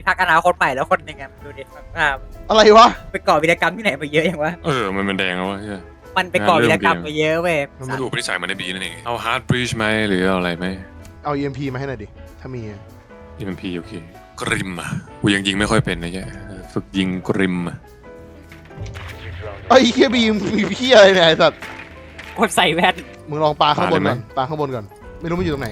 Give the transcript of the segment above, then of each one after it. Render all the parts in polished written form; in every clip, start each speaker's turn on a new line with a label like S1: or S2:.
S1: พักอนาคตใหม่แล้วคนหนึ่งอะดูดิภาพ
S2: อะไรวะ
S1: ไปก่อวีรกรรมที่ไหนมาเยอะอย่างวะ
S3: มันเป็นแดงแล้ววะ
S1: มันไปก่อวีรกรรมมาเยอะเว้ย
S3: มันดูพนิสัยมันในบีนั่นเองเอาฮาร์ดบรีชไหมหรือเอาอะไรไหม
S2: เอา EMP มาให้หน่อยดิถ้ามี
S3: EMP โอเคกริมอ่ะกูยังยิงไม่ค่อยเป็นนะแกฝึกยิงกริมอ่ะ
S2: ไอ้เคียบีมีพี่อะไรเนี่ยไอ้สัตว์
S1: คนใส่แว่น
S2: มึงลองปาข้างบนก่อนปาข้างบนก่อนไม่รู้มันอยู่ตรงไหน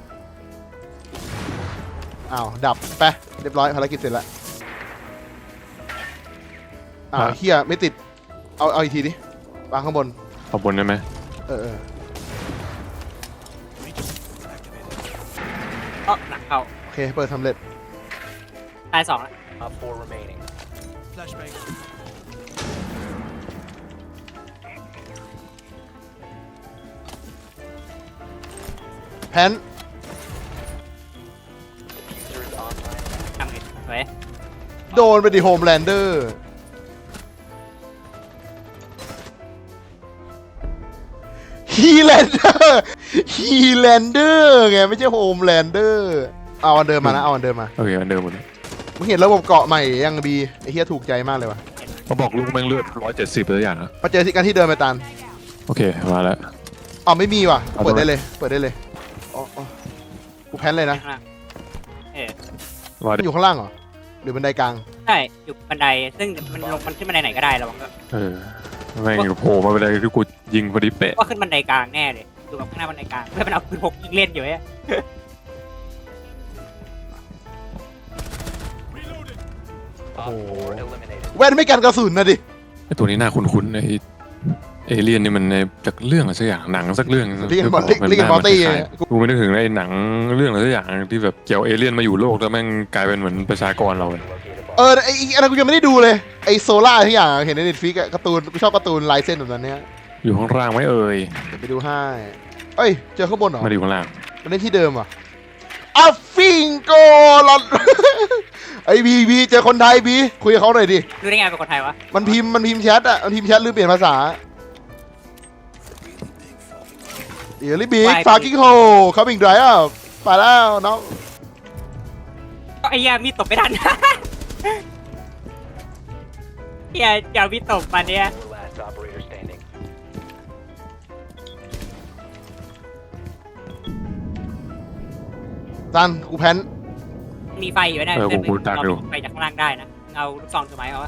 S2: อ้าวดับไปเรียบร้อยภารกิจเสร็จแล้วอ้าวเฮียไม่ติดเอาอีกทีดิปาข้างบน
S3: เอาบนได้ไหม
S2: เออ
S1: ก็หนักเข้า
S2: โอเคเปิดสำเร็จ
S1: ตาย2แล้ว
S2: แพน
S1: ทำไงเว้ย
S2: โดนไปดิโฮมแลนเดอร์ฮีแลนเดอร์ฮีแลนเดอร์ไงไม่ใช่โฮมแลนเดอร์เอาอันเดิมมานะเอาอันเดิมมา
S3: โอเคอันเดิมหมดเลย
S2: มึงเห็นระบบเกาะใหม่ยังบีไอ้เฮียถูกใจมากเลยว่ะ
S3: เขาบอกลูกแม่งเลือด170ตัวอย่างนะ
S2: มาเจอที่กันที่เดิมไปตัน
S3: โอเคมาแล้ว
S2: อ๋อไม่มีว่ะ
S3: เอา
S2: เปิด
S3: ทำไม
S2: ได้เลยเปิดได้เลยอ๋อกูแพนเลยนะ
S1: ข้างล่างเออ
S3: ว่า
S2: มันอยู่ข้างล่างเหรอหรือบันไดกลาง
S1: ใช่อยู่บันไดซึ่งมันลงมันขึ้นบันไดไหนก็ได้ระวังก็
S3: แม่งโผล่มาเป็นอะไรที่กูยิงพอดีเป๊ะ
S1: ว่าขึ้นบันไดกลางแน่เลยดูแบบข้างหน้าบันไดกลางเพื่อนมันเอาปืนพกยิงเล่นอยู่เว้ย
S2: โอ้โหแว่นไม่กันกระสุนนะดิ
S3: ไอตัวนี้น่าคุ้นๆไอเอเลี่ยนนี่มันในจากเรื่องอะไรสักอย่างหนังสักเรื่อง
S2: เรียกกันมอตตี้
S3: กูไม่นึกถึงไอ้หนังเรื่องอะไรสักอย่างที่แบบเกี่ยวเอเลี่ยนมาอยู่โลกแล้วแม่งกลายเป็นเหมือนประชากรเราเลย
S2: ไอ้อันนั้นกูยังไม่ได้ดูเลยไอ้โซล่าทุกอย่างเห็นในเน็ตฟลิกการ์ตูนกูชอบการ์ตูนลายเส้นแบบนั้นเนี้ย
S3: อยู่ข้างล่างไหมเอ่ย
S2: เดี๋ยวไปดูให้เอ้ยเจอข้างบนเหรอ
S3: มาอยู่ข้างล่าง
S2: มันเล่นที่เดิมอ่ะอัฟฟิงโกลอน ไอ้บีเจอคนไทยบีคุยกับเขาหน่อยดิ
S1: ดูได้ไงเป็นคนไทยวะ
S2: มันพิมพ์แชทอ่ะมันพิมพ์แชทหรือเปลี่ยนภาษาเดี๋ยวรีบบิ๊กฟากิ้งโฮคัมมิ่งไดรฟ์ไปแล้วน้อง
S1: ก็ไอ้เหี้ยมีตบไม่ทัน เหี้ยอย่ามีตบมาเนี่ย
S2: ตันกูแพน
S1: มีไฟอยู่นะ
S3: กูดักอยู่
S1: ไฟจากข้างล่างได้นะเอาลูกซองถือไม้เอาวะ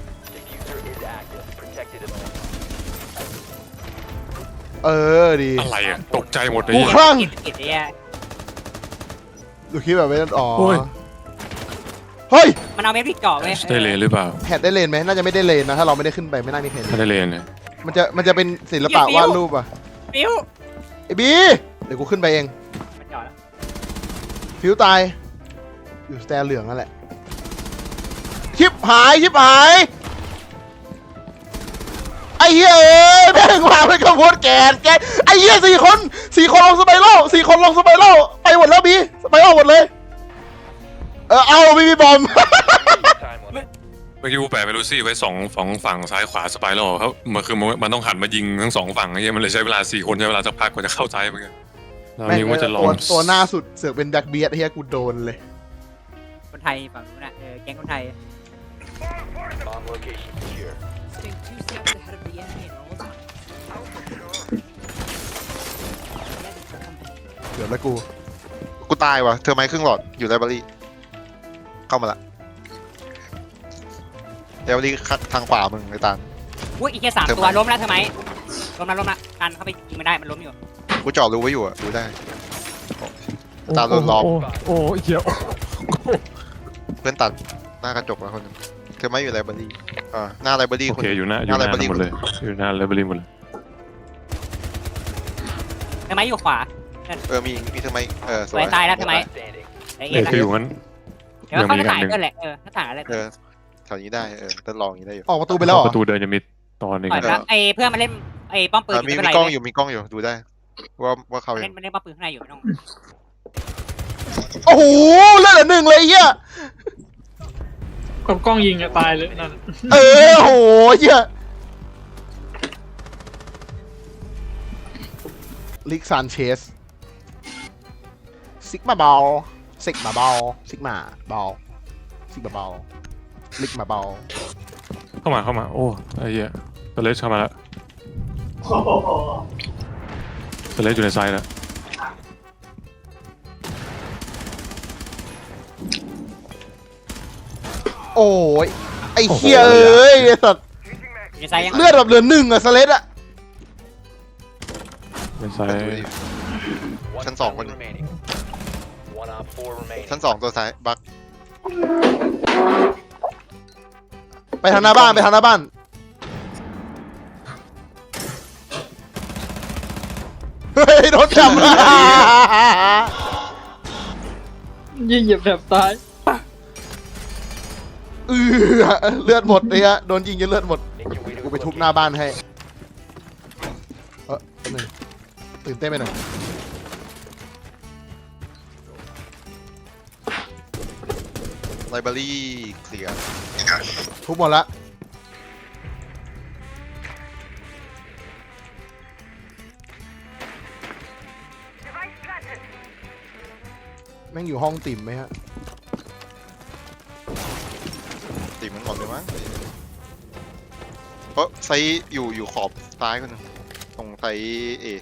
S2: ดี
S3: อะไรอ่ะตกใจหมดเลย
S2: กูคลั่ง
S1: กิดไอ้เหี้ย
S2: ดูคลิปแบบไม่อ๋อ
S3: โอ้ย
S2: เฮ้ย
S1: มันเอาเม็ดพริกเจาะไว้
S3: ได้เลนหรือเปล่า
S2: แฮดได้เลนไหมน่าจะไม่ได้เลนนะถ้าเราไม่ได้ขึ้นไปไม่น่ามีใครเห็น
S3: ถ้าได้เลนเนี่ย
S2: มันจะเป็นศิลปะวาดรูปอ่ะ
S1: ปิ้ว
S2: ไอ้บีเดี๋ยวกูขึ้นไปเอง
S1: มันเจาะแล้ว
S2: ฟิวตายอยู่สแตนเหลืองนั่นแหละชิบหายไอ้เหี้ยแม่งมาเป็นขบวนแกนไอ้เหี้ย4 คนลงสไปโร่4 คนลงสไปโร่ไปหมดแล้วบีสไปโร่หมดเลยเอาไม่มีบอม
S3: เมื่อกี้กูแปะไปรูซี่ไว้ฝั่งซ้ายขวาสไปรัลเขามันคือมันต้องหันมายิงทั้งสองฝั่งไอ้เหี้ยมันเลยใช้เวลา4 คนใช้เวลาสักพักกว่าจะเข้าซ้ายเหมือนกันเรานี่ว่าจะลอง
S2: ตัวหน้าสุดเสือกเป็นแบ็คเบียดเฮียกูโดนเลย
S1: คนไทยฝั่งนู้นน่ะแก๊งคนไทย
S4: Stay 2 steps ahead of the enemy and roll down.
S2: เดี๋ยวแล้วกู
S5: ตายว่ะเธอไม้ครึ่งหลอดอยู่ไลบรารีเข้ามาละไลบรารีทางขวามึงไอ้ตาล
S1: อุ้ยอีกแค่3 ตัวล้มแล้วใช่ไหมล้มละกันเข้าไปยิงไม่ได้มันล้มอยู่
S5: กูจ่อรู้ไว้อยู่อะดูได้ตาโดนล้อม
S3: โอ้เหี้ย
S5: เพื่อนตัดหน้ากระจกแล้วคนนึงเธอไม้อยู่ไลบรารีหน้าไลบรารี
S3: โอ
S5: คน
S3: เคอยู่หน้าหมดเลยอยู่หน้าเลเวลลิ่งหมดเลย
S1: ใช่ไหมอยู่ขวา
S5: มีเธอไม้ส
S1: ส
S5: ว
S1: วย ยตายแล้วใช่ไหมไอ้
S3: เอ
S1: เอ็
S3: อคืออยู่งั้น
S1: เดี๋ยวเขาจะถ่ายก็แหละถ้าถ่ายอะไร
S5: แถวนี้ได้แตลองอย่างนี้ได้อยู่
S2: ออกประตูไปแล้วเหรอ
S3: ประตูเดินจะมีตอนนึง
S1: ปล่อยแล้วไอ้เพื่อนมาเล่นไอ้ป้อมปืน
S5: มี
S1: ไม่เป็นไร
S5: กล้องอยู่ดูได้ว่าเขา
S1: เล่นป้อมปืนข้างในอยู่ไม่ต้อง
S2: โอ้โหเลือดเหลือ1เลยเฮีย
S6: กับกล้องยิงอะตายเลยนั่น
S2: โอ้โหเฮียลิกซานเชสซิกมาบอลซิกมาสิเบาๆลิกมาเบา
S3: เข้ามาโอ้ไอ้เหี้ยสเลชเข้ามาแล้วสเลชอยู่ในไซด์แล้ว
S2: โอ้ยไอ้เหี้ยเอ้ยไอ้สัตว์
S1: อยู่ในไซส์ยัง
S2: เลือดแบบเหลือหนึ่งอะสเลดอะ
S3: เป็นไซ
S5: แต่
S3: ด์
S5: ดูดิชั้นสองคนชั้นสองตัวซ้ายบัก
S2: ไปทางหน้าบ้านไปทางหน้าบ้านเฮ้ยโดนจับ
S6: ยิงเหยียบแถบตาย
S2: เลือดหมดเลยฮะโดนยิงจนเลือดหมดกูไปทุบหน้าบ้านให้แป๊บนึงตื่นเต้นไปหน่อย
S5: ไลบรารีเคลียร์
S2: ทุบหมดละแม่งอยู่ห้องติ่มไหมฮะ
S5: ตีมันหมดเลยมั้งเพราะไซส์อยู่ขอบซ้ายคนหนึงตรงไซส์เอ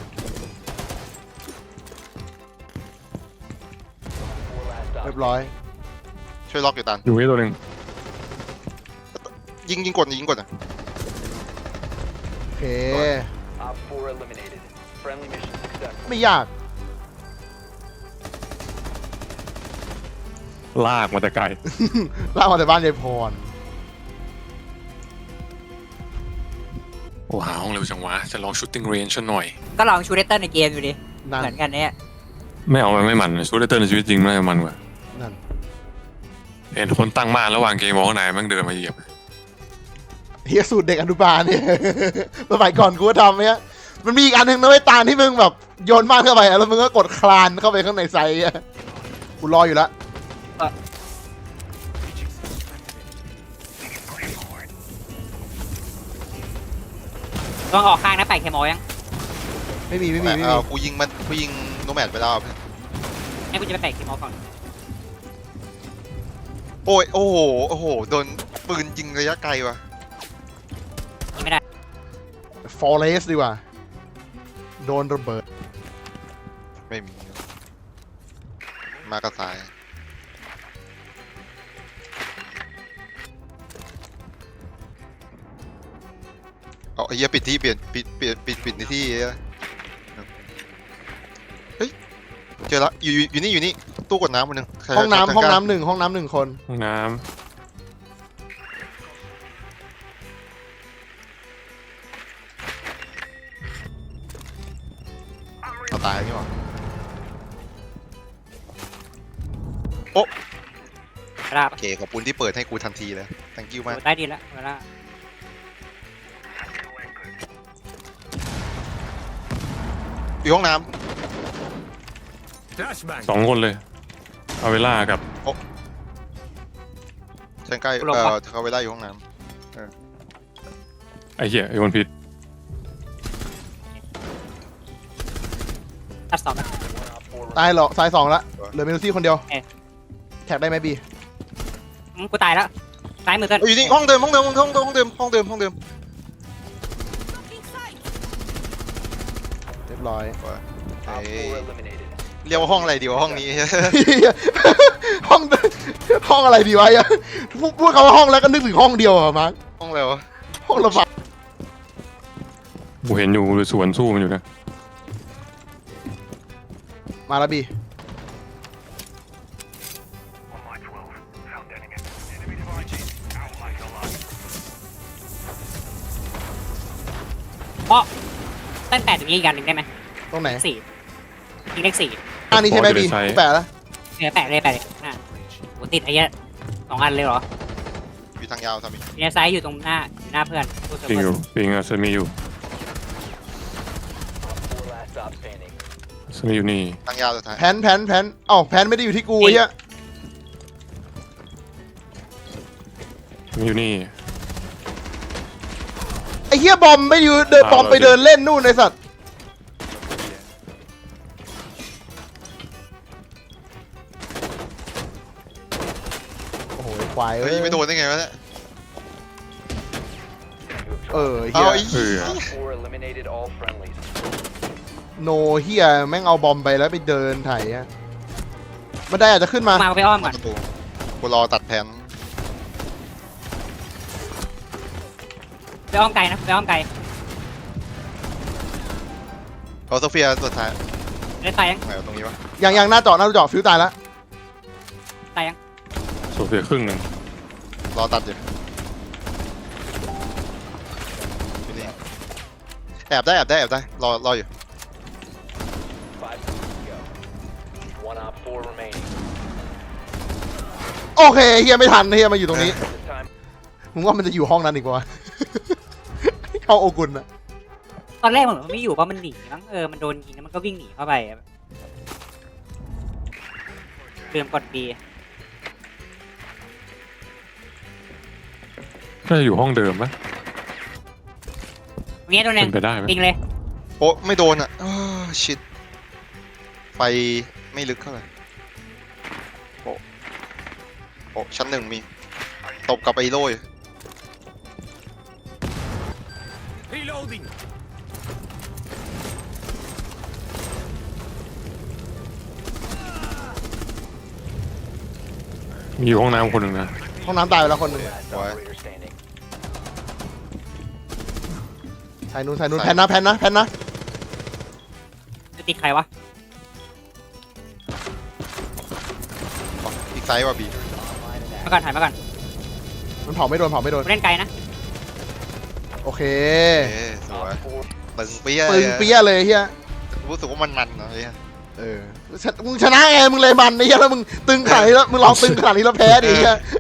S2: เรียบร้อย
S5: ช่วยล็อกอยู่ตัน
S3: อยู่นี่ตัวหนึ่ง
S5: ยิงกดอ่ะ
S2: โอเค ไม่ยาก
S3: ลากมาแต่ไกล
S2: ลากมาแต่บ้านยายพร
S3: โอ้หาห้องเร็วจังวะจะลองชูตติ้งเรนจ์หน่อย
S1: ก็ลองชูเดเตอร์ในเกมดูดิ
S2: นั่น
S1: เหมือนกันเนี่ย
S3: ไม่เอามันไม่มันชูตเตอร์ในชีวิตจริงน่าจะมันกว่า
S2: นั่น
S3: เห็นคนตั้งม่านระหว่างเกมมองข้างในแม่งเดินมาเหยียบ
S2: เฮียสูตรเด็กอนุบาลเนี่ย สมัยก่อนกูก็ทำเนี่ยมันมีอีกอันหนึ่งนะไอ้ยตาลที่มึงแบบโยนม่านเข้าไปอะแล้วมึงก็กดคลานเข้าไปข้างในไซส์อะกูรออยู่แล้ว
S1: ต้องออกข้างนะแปะเคมอลยัง
S2: ไม่มี
S5: แต่กูยิงโนแมดไปแล้ว
S1: ให้กูจะไปแปะเคมอลก่อน
S5: โอ้ยโอ้โหโดนปืนยิงระยะไกลว่ะ
S1: ยิงไม่ได้
S2: ฟอเรสดีกว่า โดนระเบิด
S5: ไม่มีมากระสายเอาไอ้เหี้ยปิดที่เปลี่ยนปิดในที่เฮ้ยเจอละอยู่นี่ตู้กดน้ำคนหนึ่งใคร
S2: ห้องน้ำ
S5: ใคร
S2: ห้อง
S5: กล้า
S2: น้ำหนึ่งห้องน้ำหนึ่งคน
S3: ห้องน้
S5: เอาตายนี่หว่า
S1: เวลา
S5: โอเคขอบคุณที่เปิดให้กูทันทีเลย thank you มาก
S1: ได้ดีแล้วเวลา
S5: อยู่ห้องน้
S3: ำ2 คนเลยอาเวล่ากับ
S5: ำฉันใกล้เขาเวลาอยู่ห้องน้
S3: ไอ้เหี้ยไอ้คนผิด
S1: ตัดสองนะ
S2: ตายเหรอซ้าย2ละเหลือเมนูซี่คนเดียวแท็กได้ไหมบี
S1: กูตายแล้วซ้ายมือเกิน
S5: ำอยู่นี่ห้องเดิม
S2: เรียบร้อย
S5: เอ้ยเรียกว่าห้องอะไรดีวะห้องนี้
S2: ห้องห้องอะไรดีวะเนี่ยพูดคำว่าห้องแล้วก็นึกถึงห้องเดียวอะมาร์ค
S5: ห้องอะไรวะ
S2: ห้องระบาย
S3: กูเห็นอยู่สวนสู้มันอยู่นะ
S2: มาแล้วบี
S1: เพราะตั้งแต่ตรงนี้อีกอันหนึ่งได้ไหม
S2: ตรงไหน
S1: 4ยิงเลข4
S2: อันนี้ใช่ไหมบีกูแปะแล้ว
S1: แปะเลยอ่ะโหติดไอ้เหี้ย2 อันเลยเหรอ
S5: อยู่ทางยาวสามี
S1: มีไซส์อยู่ตรงหน้าเพื่อนกูเซิร์ฟ
S3: ปิง
S1: เว
S3: อ
S1: อ
S3: ยู่
S1: ร์
S3: ปิงอะเซมีอยู่เซมีอยู่นี่
S5: ทางยาวสุดท้าย
S2: แพนอ้าวแพนไม่ได้อยู่ที่กูไอ้เหี้ย
S3: เซมีอยู่นี่
S2: ไอ้เหี้ยบอมไม่อยู่เดินบอมไปเดินเล่นนู่นไอ้สัตว์โอ้โหยควาย
S5: เฮ้ยไม่โดนได้ไงวะเนี่ย
S2: เออเฮี
S5: เอา
S2: ย
S5: ไอ้เหี้ย
S2: โนเฮียแม่งเอาบอมไปแล้วไปเดินไถอะมันได้อาจจะขึ้นมา
S1: มาไปอ้อมก่อน
S5: ประตูกูรอตัดแผน
S1: ไปอ้อมไกลนะไปอ้อมไกล
S5: เอาโซเฟียสุดท้าย
S1: เล่นตายยัง
S5: ไหนวะตรงนี้วะ
S2: ยังหน้าเจาะฟิวตายแล้ว
S1: ตายยัง
S3: โซเฟียครึ่งหนึ่ง
S5: รอตัดอยู่อยู่นี่แอบได้รออยู่
S2: โอเคเฮียไม่ทันเฮียมาอยู่ตรงนี้มึงว่ามันจะอยู่ห้องนั้นอีกวะ เข้าโอกุนอะ
S1: ตอนแรกมันไม่อยู่เพราะมันหนีมั้งมันโดนยิงแล้วมันก็วิ่งหนีเข้าไปลืมกด B
S3: น่าจะอยู่ห้องเดิมปะ
S1: ตรงนี้ตัวหนึ่
S3: เป็
S1: ง
S3: นไปได้ไหม
S1: ยิงเลย
S5: โอ้ไม่โดนอ่ะชิดไฟไม่ลึกเท่าไหร่โอ้ชั้นหนึ่งมีตบกับไอ้โล่ย
S3: มีอยู่ห้องน้ำคนหนึ่งนะ
S2: ห้องน้ำตายไปแล้วคนหนึง
S5: ไว้
S2: สายนู้นแพนนะ
S1: จะติดใครวะ
S5: อ๋ออีกไซส์ว่ะบี
S1: มาก่อนถ่ายมาก่อน
S2: มันเผาไม่โดน
S1: กูเล่นไกลนะ
S2: โอเค
S5: สวยตึงเปี้ย
S2: ปึงเปี้ยเลยเฮีย
S5: รู้สึกว่ามันเนาะไอ้เหี้ย
S2: มึงชนะไงมึงเลยมันไอ้เฮียแล้วมึงตึงขนาดนี้แล้วมึงลองตึงขนาดนี้แล้วแพ้ดิเฮีย